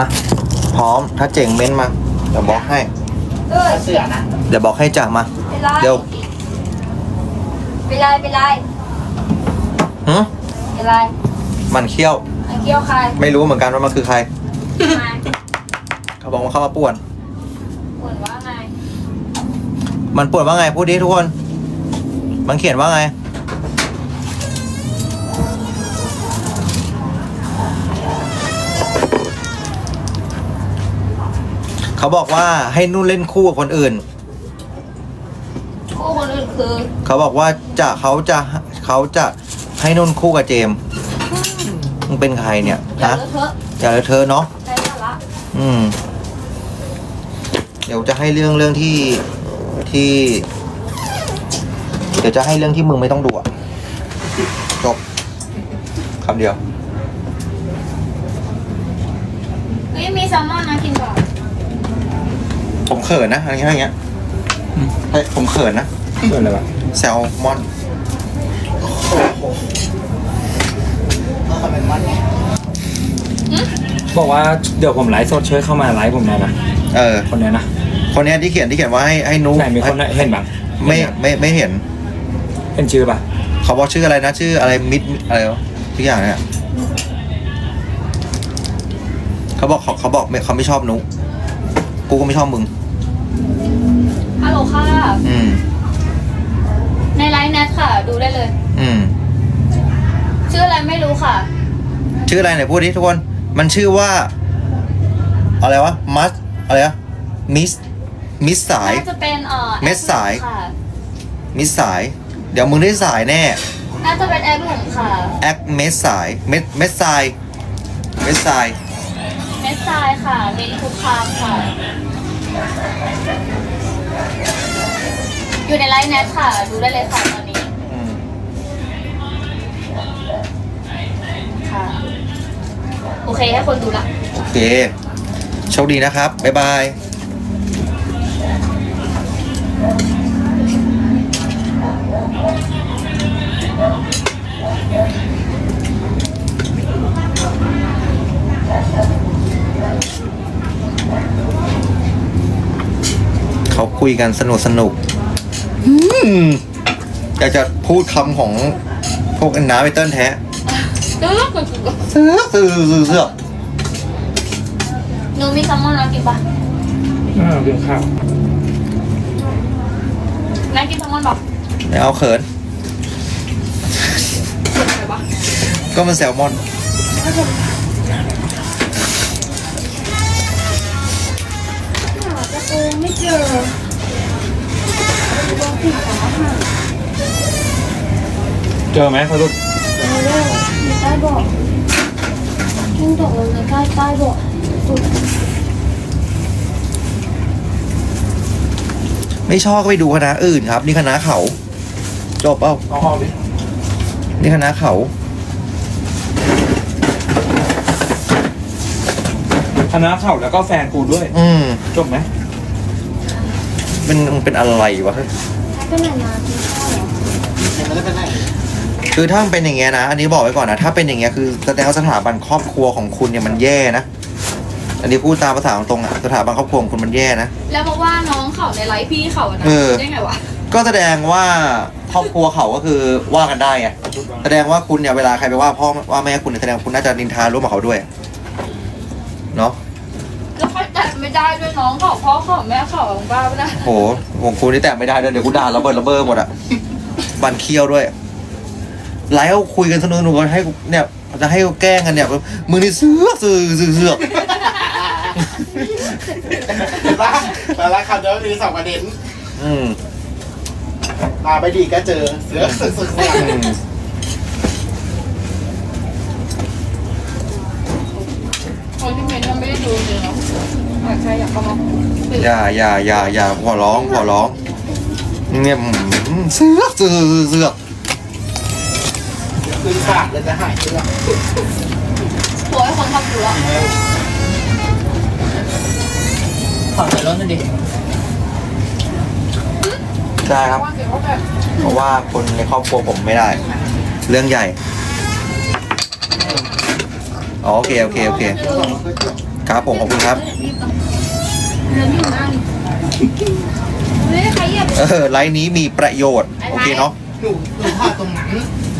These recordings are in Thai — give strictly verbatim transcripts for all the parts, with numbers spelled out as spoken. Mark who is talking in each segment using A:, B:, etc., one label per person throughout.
A: พร้อมถ้าเจ๋งเม้นมาเดี๋ยวบอกให้
B: เออเสือนะ
A: เดี๋ยวบอกให้จ่ามา
B: เป็นไร
A: เดี๋ยว
B: เป็นไรเป็นไร
A: หืม
B: เป็นไร
A: มันเขี้ยว
B: ไอ้เกี้ยวใคร
A: ไม่รู้เหมือนกันว่ามันคือใคร
B: มา
A: เขาบอกว่าเข้ามาป่วน
B: ผลว่าไง
A: มันป่วนว่าไงพูดดิทุกคน มันเขียนว่าไง เขาบอกว่าให้นุ่นเล่นคู่กับคนอื่น
B: คู่คนอื่นคือ
A: เขาบอกว่าจะเขาจะเขาจะให้นุ่นคู่กับเจมส์มึงเป็นใครเนี่ย
B: อย่า
A: ฮะ
B: เลอะเทอะ
A: อย่าเลยเธอเนาะ
B: ใช้สาระ
A: อืม เดี๋ยวจะให้เรื่องเรื่องที่ที่ เดี๋ยวจะให้เรื่องที่มึงไม่ต้องดูอะจบคำเดียว
B: เฮ้ยมีแซลมอนนะกินก่อน
A: ผมเขินนะอะไรเงี้ยอย่างเงี้ยเฮ้ยผมเขินนะ
C: เกิดอะไรวะ
A: แซลมอน
C: บอกว่าเดี๋ยวผมไลฟ์สดช่วยเข้ามาไลฟ์ผมหน่อยนะ
A: เออ
C: คนเนี้ยนะ
A: คนเนี้ยที่เขียนที่เขียนว่าให้ให้นุ
C: ไหนมีคนเห็นบ้าง
A: ไม่ไม่ไม่เห็น
C: เห็นชื่อป่ะ
A: เขาบอกชื่ออะไรนะ ชื่ออะไรมิดอะไรวะทุกอย่างเนี่ยเขาบอกเขาเขาบอกไม่เขาไม่ชอบนุกูก็ไม่ชอบมึง
B: ฮัลโหลค่ะ
A: อืม
B: ในไลน์แนทค่ะ ดูได้เลย
A: อืม
B: ชื่ออะไรไม่รู้ค่ะ
A: ชื่ออะไรไหนพูดดิทุกคน มันชื่อว่า อะไรวะ มัส อะไรวะ มิส มิสสาย
B: น่าจะเป็นเอ่อ
A: เม็ดสาย
B: ค่ะ
A: มิสสาย เดี๋ยวมึงได้สายแน่
B: น่าจะเป็นแอปหลุมค่ะ
A: แอคเม็ดสาย เม็ด เม็ดสาย เม็ดสาย
B: เม็ดทรายค่ะเมนทุกคามค่ะ อยู่ในไลน์แนทค่ะ ดูได้เลยค่ะตอนนี้
A: อืม
B: ค่ะ โอเคให้คนดูละ
A: โอเค โชคดีนะครับ บ๊ายบาย เขาคุยกันสนุกสนุกอืมอยากจะพูดคำของพวกน้าไปเติ้ลแท้
B: ตึ๊ก
A: เสือกเสือกเสือกเสือก
B: หนูมีแซลมอนแล้วกินปะ
C: อ่ากินข้าว
B: นั่นกินแซลมอนปะ
A: ไม่เอาเขิน
B: เกินไปปะ
A: ก็มันแซลมอน
B: จะโกงไม่เจอลองผิดของอาหาร
C: เจอไหมสรุป
B: เออเร็วมีใต้เบอกกิ้งตกลงในใต้ใต้เบอกสุด
A: ไม่ชอบก็ไปดูคณะอื่นครับ นี่คณะเขา จบเปล่า
C: เอาห้องดิ
A: นี่คณะเขา
C: คณะเข่าแล้วก็แฟนกูด้วย
A: อืม
C: จบไหม
A: เป็นมันเป็นอะไรวะ
B: ก็ไหนมากินข้าวเหรอ
A: คือถ้ามันเป็นอย่างเงี้ยนะ อันนี้บอกไว้ก่อนนะ ถ้าเป็นอย่างเงี้ยคือแสดงว่าสถาบันครอบครัวของคุณเนี่ยมันแย่นะ อันนี้พูดตามภาษาตรงๆอะสถาบันครอบครัวของคุณมันแย่นะ
B: แล้วบอกว่าน้องเขาในไลฟ์พี่เขาอะนะ
A: เออ
B: ได้ไงวะ
A: ก็แสดงว่าครอบครัวเขาก็คือว่ากันได้ไง แสดงว่าคุณเนี่ยเวลาใครไปว่าพ่อว่าแม่คุณเนี่ยแสดงว่าคุณน่าจะนินทาร่วมกับเขาด้วย เนาะ
B: แล้วเขาแตะไม่ได้ด้วยน้องเขาพ่อเขาแม่เขาของบ้าปะนะ
A: โหของคุณนี่แตะไม่ได้เลยเดี๋ยวกูด่าระเบิดระเบ้อหมดอะบันเคี้ยวด้วย ไลฟ์เขาคุยกันสนุกหนูให้กูเนี่ยจะให้เขาแกล้งกันเนี่ยมึงนี่เสือกเสือกเสือกเสือก
D: เห็นปะแต่ละคำเดียวมีสองประเด็น
A: อืม
D: มาไปดีก็เจอเสือสึกสึกสึก
A: อืม
B: คนที่เมนยังไม่ได้ดูเลยเนาะอยากใครอยากเข้ามา
A: อย่าอย่าอย่าอย่าขอร้องขอร้องเนี่ยอืมเสือกเสือกเสือก
D: คือขาดเลยจะหายเสื้อ
B: หัวให้คนทำดูแล้ว
D: ขอใส่รถหน่อยดิ
A: ได้ครับ
B: ว่าเกี่ยวกับแบบ
A: เพราะว่าคนในครอบครัวผมไม่ได้ เรื่องใหญ่อ๋อโอเคโอเคโอเค
B: เออ
A: ครับผมขอบคุณครับ
B: เดินอยู่นั่นเฮ้ยใครเหยียบ
A: เออไลน์นี้มีประโยชน์โอเคเนาะ
D: หนูหนูพลาดตรงนั้น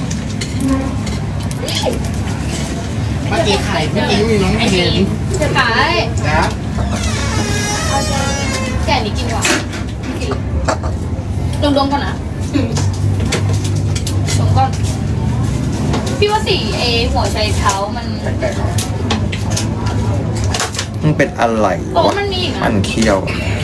D: เมื่อกี้ไข่เมื่อกี้มีน้องเห็น
B: จะขาย
D: นะ
B: แก่นี้กินกว่าไม่กินดมดมๆก่อนนะดมก่อน พี่ว่าสีเอหัวใจเท้ามัน
D: แปลกๆ
A: มันเป็นอะไร
B: โอ้
A: วะ
B: มันมีอีก
A: มั
B: นะ
A: นเคี้ยว
B: ม